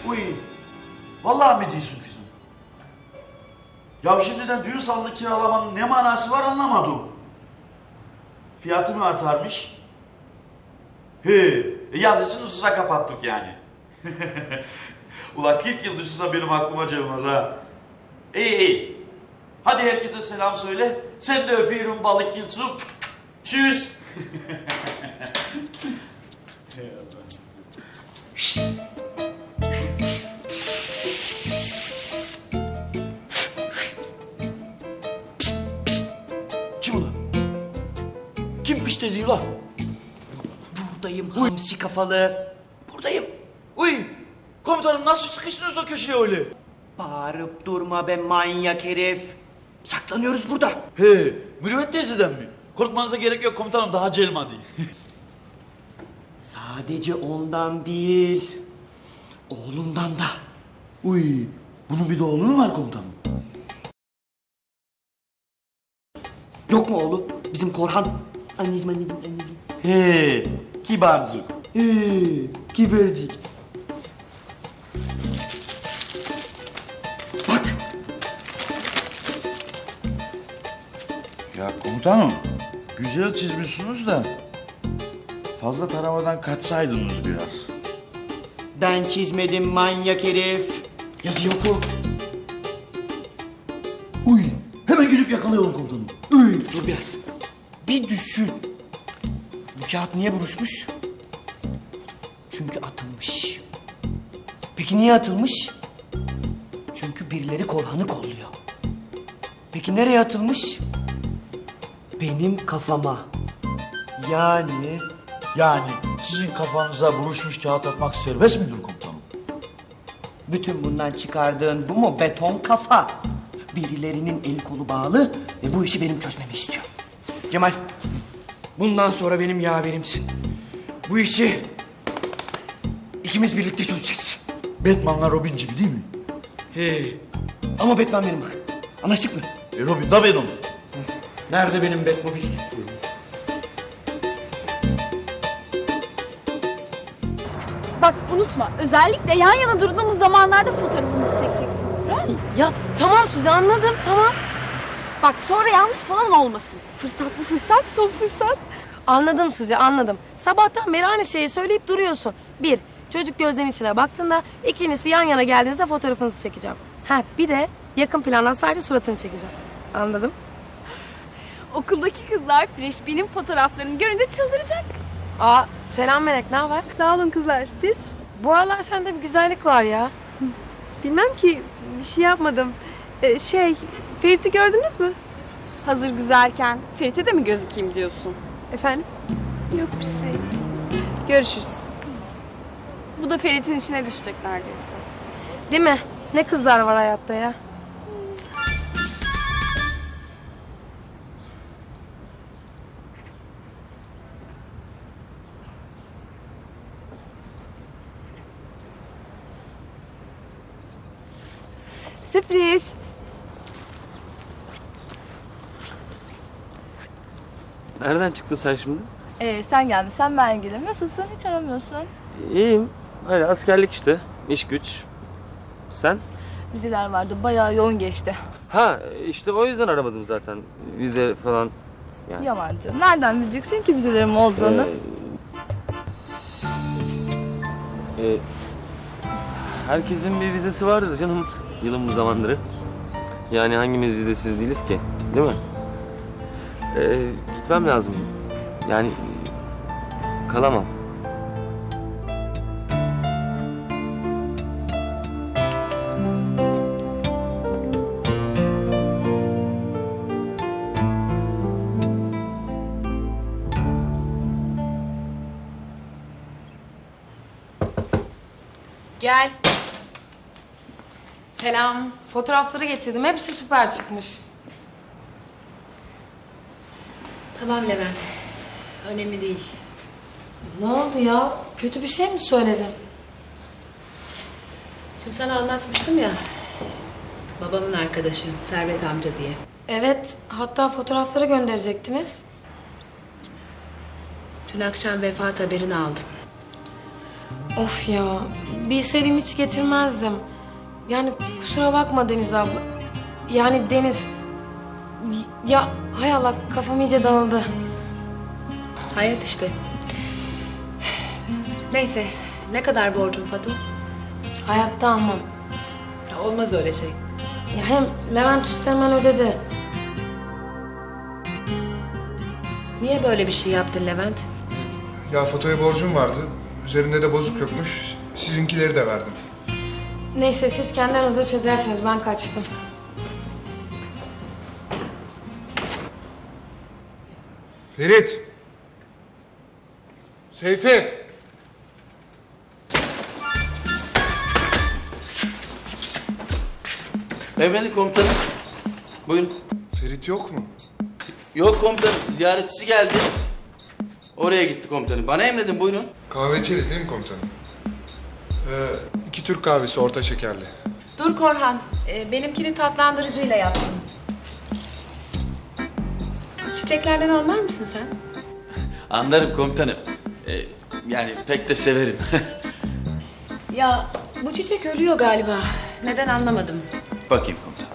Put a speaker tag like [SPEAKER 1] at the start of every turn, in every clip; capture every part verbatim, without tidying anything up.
[SPEAKER 1] Uy, vallahi mi diyorsun kızım? Ya şimdiden düğün salonu kiralamanın ne manası var anlamadım. Fiyatı mı artarmış? He, e yazısını ususa kapattık yani. Ulan kırk yıl düşünsem benim aklıma gelmez ha. İyi iyi. Hadi herkese selam söyle. Sen de öpüyorum balık yılsın. Tschüss. Kim ulan? Kim piş dedi ulan?
[SPEAKER 2] Buradayım hamsi kafalı. Buradayım.
[SPEAKER 1] Uy! Komutanım nasıl sıkıştınız o köşeye öyle?
[SPEAKER 2] Bağırıp durma be manyak herif. Saklanıyoruz burada.
[SPEAKER 1] He, Mürüvvet teyzeden mi? Korkmanıza gerek yok komutanım, daha celma değil.
[SPEAKER 2] Sadece ondan değil, oğlundan da.
[SPEAKER 1] Uy, bunun bir de oğlu mu var komutanım?
[SPEAKER 2] Yok mu oğlu? Bizim Korhan. Anneciğim, anneciğim, anneciğim.
[SPEAKER 1] He, kibarcık.
[SPEAKER 2] Ee, kibercik. Bak.
[SPEAKER 1] Ya komutanım, güzel çizmişsiniz da fazla taramadan kaçsaydınız biraz.
[SPEAKER 2] Ben çizmedim manyak herif. Yazı yok mu?
[SPEAKER 1] Uy, hemen gidip yakalayalım komutanım.
[SPEAKER 2] Uy, dur biraz. Bir düşün. Bu kağıt niye buruşmuş? Çünkü atılmış. Peki niye atılmış? Çünkü birileri Korhan'ı kolluyor. Peki nereye atılmış? Benim kafama. Yani...
[SPEAKER 1] Yani sizin kafanıza buruşmuş kağıt atmak serbest midir komutanım?
[SPEAKER 2] Bütün bundan çıkardığın bu mu beton kafa? Birilerinin eli kolu bağlı ve bu işi benim çözmemi istiyor. Cemal, bundan sonra benim yaverimsin. Bu işi ikimiz birlikte çözeceğiz.
[SPEAKER 1] Batman'la Robin gibi değil mi?
[SPEAKER 2] He. Ama Batman benim bak. Anlaştık mı?
[SPEAKER 1] E Robin da benim.
[SPEAKER 2] Nerede benim Batmobil?
[SPEAKER 3] Bak unutma, özellikle yan yana durduğumuz zamanlarda fotoğrafımızı çekeceksin. Tamam mı?
[SPEAKER 4] Ya tamam Suzi anladım tamam.
[SPEAKER 3] Bak sonra yanlış falan olmasın. Fırsat bu fırsat, son fırsat.
[SPEAKER 4] Anladım Suzi anladım. Sabahtan beri aynı şeyi söyleyip duruyorsun. Bir, çocuk gözlerinin içine baktığında. İkincisi yan yana geldiğinizde fotoğrafınızı çekeceğim. Ha bir de yakın plandan sadece suratını çekeceğim. Anladım.
[SPEAKER 3] Okuldaki kızlar Fresh Bean'in fotoğraflarını görünce çıldıracak.
[SPEAKER 4] Aa selam Melek ne haber?
[SPEAKER 3] Sağ olun kızlar, siz?
[SPEAKER 4] Bu aralar sende bir güzellik var ya.
[SPEAKER 5] Bilmem ki, bir şey yapmadım. Ee, şey, Ferit'i gördünüz mü?
[SPEAKER 3] Hazır güzelken Ferit'e de mi gözükeyim diyorsun?
[SPEAKER 5] Efendim?
[SPEAKER 3] Yok bir şey.
[SPEAKER 5] Görüşürüz.
[SPEAKER 3] Bu da Ferit'in içine düşecek neredeyse.
[SPEAKER 4] Değil mi? Ne kızlar var hayatta ya.
[SPEAKER 3] Sürpriz.
[SPEAKER 6] Nereden çıktın sen şimdi?
[SPEAKER 3] Ee, sen gelmişsen ben gelirim. Nasılsın? Hiç aramıyorsun.
[SPEAKER 6] İyiyim. Öyle askerlik işte. İş güç. Sen?
[SPEAKER 3] Vizeler vardı. Bayağı yoğun geçti.
[SPEAKER 6] Ha işte o yüzden aramadım zaten. Vize falan. Yani.
[SPEAKER 3] Yalancı. Nereden bileceksin ki vizelerim olduğunu?
[SPEAKER 6] Ee, e, herkesin bir vizesi vardır canım. Yılın bu zamanları. Yani hangimiz vizesiz değiliz ki? Değil mi? Ee, gitmem lazım. Yani kalamam.
[SPEAKER 4] Gel. Selam. Fotoğrafları getirdim. Hepsi süper çıkmış.
[SPEAKER 7] Tamam Levent. Önemli değil.
[SPEAKER 4] Ne oldu ya? Kötü bir şey mi söyledim?
[SPEAKER 7] Şimdi sana anlatmıştım ya. Babamın arkadaşı Servet amca diye.
[SPEAKER 4] Evet. Hatta fotoğrafları gönderecektiniz.
[SPEAKER 7] Dün akşam vefat haberini aldım.
[SPEAKER 4] Of ya, bilseydim hiç getirmezdim. Yani kusura bakma Deniz abla. Yani Deniz... Ya hay Allah, kafam iyice dağıldı.
[SPEAKER 7] Hayat işte. Neyse, ne kadar borcun Fatu?
[SPEAKER 4] Hayatta almam.
[SPEAKER 7] Ya olmaz öyle şey.
[SPEAKER 4] Ya hem Levent Üsteğmen ödedi.
[SPEAKER 7] Niye böyle bir şey yaptın Levent?
[SPEAKER 8] Ya Fato'ya borcum vardı. Üzerinde de bozuk yokmuş. Sizinkileri de verdim.
[SPEAKER 4] Neyse siz kendi aranızda çözersiniz, ben kaçtım.
[SPEAKER 8] Ferit! Seyfi!
[SPEAKER 9] Efendim komutanım. Buyurun.
[SPEAKER 8] Ferit yok mu?
[SPEAKER 9] Yok komutanım. Ziyaretçisi geldi. Oraya gitti komutanım. Bana emredin buyurun.
[SPEAKER 8] Kahve içeriz değil mi komutanım? Ee, iki Türk kahvesi orta şekerli.
[SPEAKER 7] Dur Korhan, e, benimkini tatlandırıcıyla yaptım. Çiçeklerden anlar mısın sen?
[SPEAKER 9] Anlarım komutanım. Ee, yani pek de severim.
[SPEAKER 7] Ya bu çiçek ölüyor galiba. Neden anlamadım.
[SPEAKER 9] Bakayım komutanım.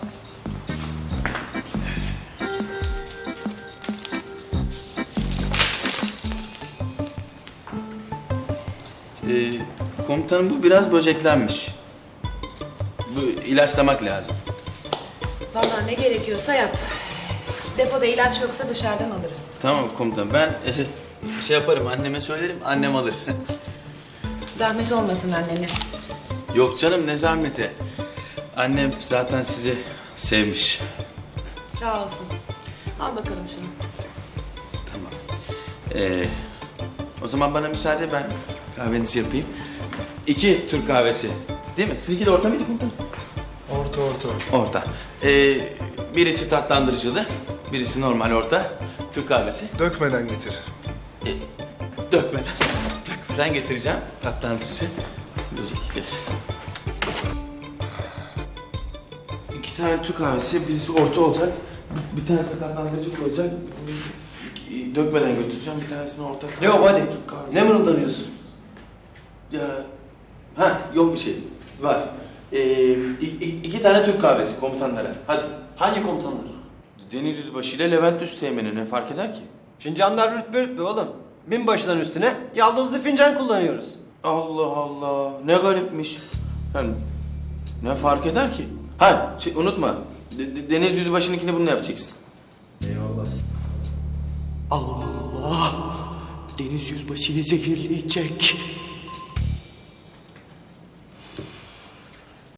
[SPEAKER 9] Ee, komutanım bu biraz böceklenmiş. Bu ilaçlamak lazım.
[SPEAKER 7] Vallahi ne gerekiyorsa yap. Depoda ilaç yoksa dışarıdan alırız.
[SPEAKER 9] Tamam komutanım ben e, şey yaparım anneme söylerim annem alır.
[SPEAKER 7] Zahmet olmasın annene.
[SPEAKER 9] Yok canım ne zahmeti. Annem zaten sizi sevmiş.
[SPEAKER 7] Sağ olsun. Al bakalım şunu.
[SPEAKER 9] Tamam. Ee, o zaman bana müsaade ben kahvenizi yapayım. İki Türk kahvesi. Değil mi? Sizinki de orta mıydı komutanım?
[SPEAKER 8] Orta orta.
[SPEAKER 9] Orta. Ee, birisi tatlandırıcılı, birisi normal orta. Türk kahvesi.
[SPEAKER 8] Dökmeden getir.
[SPEAKER 9] Ee, dökmeden. Dökmeden getireceğim. Tatlandırıcı. Özellikle. İki tane Türk kahvesi, birisi orta olacak. Bir, bir tanesi tatlandırıcı olacak. Dökmeden götüreceğim, bir tanesini orta.
[SPEAKER 2] Ne o hadi?
[SPEAKER 9] Türk kahvesi.
[SPEAKER 2] Ne mırıldanıyorsun?
[SPEAKER 9] Ya, ha yok bir şey. Var. Ee, i- iki tane Türk kahvesi komutanlara. Hadi.
[SPEAKER 2] Hangi komutanlar?
[SPEAKER 9] Deniz Yüzbaşı ile Levent Üsteğmen'i ne fark eder ki?
[SPEAKER 2] Fincanlar rütbe rütbe oğlum. Binbaşıların üstüne yaldızlı fincan kullanıyoruz.
[SPEAKER 9] Allah Allah. Ne garipmiş. Yani ne fark eder ki? Ha şey, unutma. De- de- Deniz Yüzbaşı'nınkini bununla yapacaksın.
[SPEAKER 2] Allah! Deniz yüzbaşıyı zehirleyecek.